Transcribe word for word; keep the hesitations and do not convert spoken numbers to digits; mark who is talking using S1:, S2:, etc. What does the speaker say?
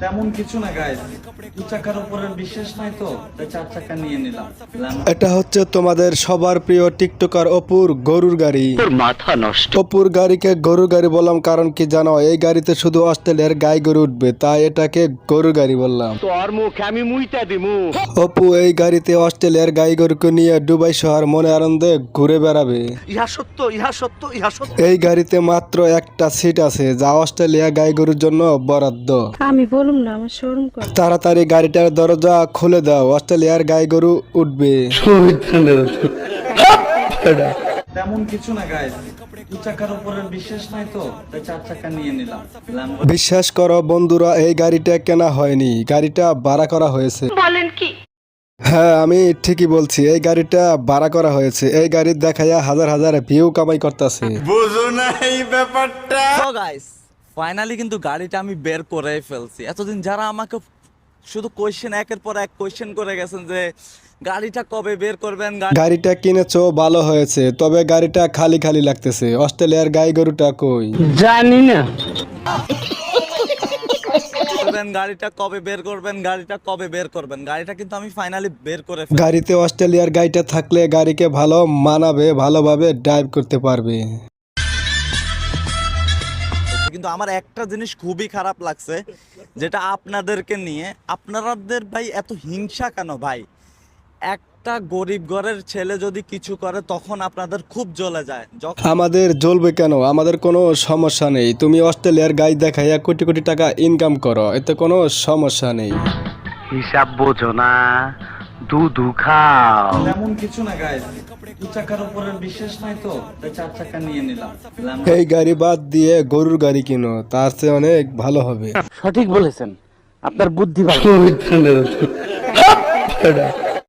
S1: তেমন কিছু না গাইস, দু চাকার উপরে বিশ্বাস নাই তো তাই চার চাকা নিয়ে নিলাম।
S2: এটা হচ্ছে তোমাদের সবার প্রিয় টিকটকার অপুর গরুর গাড়ি।
S3: মাথা নষ্ট।
S2: অপুর গাড়িকে গরুর গাড়ি বললাম কারণ কি জানো, এই গাড়িতে শুধু অস্ট্রেলিয়ার গাই গরু উঠবে, তাই এটাকে গরুর গাড়ি বললাম।
S3: তোর মুখ আমি মুইতা দিমু।
S2: অপু এই গাড়িতে অস্ট্রেলিয়ার গাই গরুকে নিয়ে দুবাই শহর মনে আনন্দে ঘুরে বেড়াবে।
S3: ইহা সত্য, ইহা সত্য, ইহা সত্য।
S2: এই গাড়িতে মাত্র একটা সিট আছে যা অস্ট্রেলিয়া গাই গরুর জন্য বরাদ্দ।
S4: আমি বলুম না, আমার শোরুম কর।
S2: তাড়াতাড়ি গাড়িটার দরজা খুলে দাও, অস্ট্রেলিয়ার গাই গরু উঠবে।
S1: তেমন কিছু না গাইস, দু চাকার উপরে বিশ্বাস নাই তো তাই চার চাকা নিয়ে নিলাম।
S2: বিশ্বাস করো বন্ধুরা, এই গাড়িটা কেনা হয়নি, গাড়িটা ভাড়া করা হয়েছে।
S4: বলেন কি?
S2: হ্যাঁ আমি ঠিকই বলছি, এই গাড়িটা ভাড়া করা হয়েছে। এই গাড়ি দেখাইয়া হাজার হাজার ভিউ কামাই করতেছে।
S5: তো গাইস ফাইনালি কিন্তু গাড়িটা আমি বের করে ফেলছি। এতদিন যারা আমাকে শুধু কোয়েশ্চেন একের পর এক কোয়েশ্চেন করে গেছেন যে গাড়িটা কবে বের করবেন, গাড়ি
S2: গাড়িটা কিনেছো ভালো হয়েছে, তবে গাড়িটা খালি খালি লাগতেছে। অস্ট্রেলিয়ার গাই গরুটা কই?
S3: জানি না।
S5: করবেন, গাড়িটা কবে বের করবেন, গাড়িটা কবে বের করবেন। গাড়িটা কিন্তু আমি ফাইনালি বের করে ফেলছি।
S2: গাড়িতে অস্ট্রেলিয়ার গাড়িটা থাকলে গাড়িকে ভালো মানাবে, ভালোভাবে ড্রাইভ করতে পারবে।
S5: কিন্তু আমার একটা জিনিস খুবই খারাপ লাগছে, যেটা আপনাদেরকে নিয়ে। আপনাদের ভাই এত হিংসা কেন ভাই? একটা গরিব ঘরের ছেলে যদি কিছু করে তখন আপনাদের খুব জ্বলে যায়। যখন
S2: আমাদের জ্বলবে কেন? আমাদের কোনো সমস্যা নেই। তুমি অস্ট্রেলিয়ার গাই দেখাইয়া কোটি কোটি টাকা ইনকাম করো, এতে কোনো সমস্যা নেই।
S3: হিসাব বোঝো না, দুধু খাও।
S1: তেমন কিছু না গাইস, দু চাকার উপরে বিশ্বাস নাই তো তাই চার চাকা নিয়ে নিলাম।
S2: এই গাড়ি বাদ দিয়ে গরুর গাড়ি কিনো, তার চেয়ে অনেক ভালো হবে।
S3: সঠিক বলেছেন, আপনার বুদ্ধি ভালো।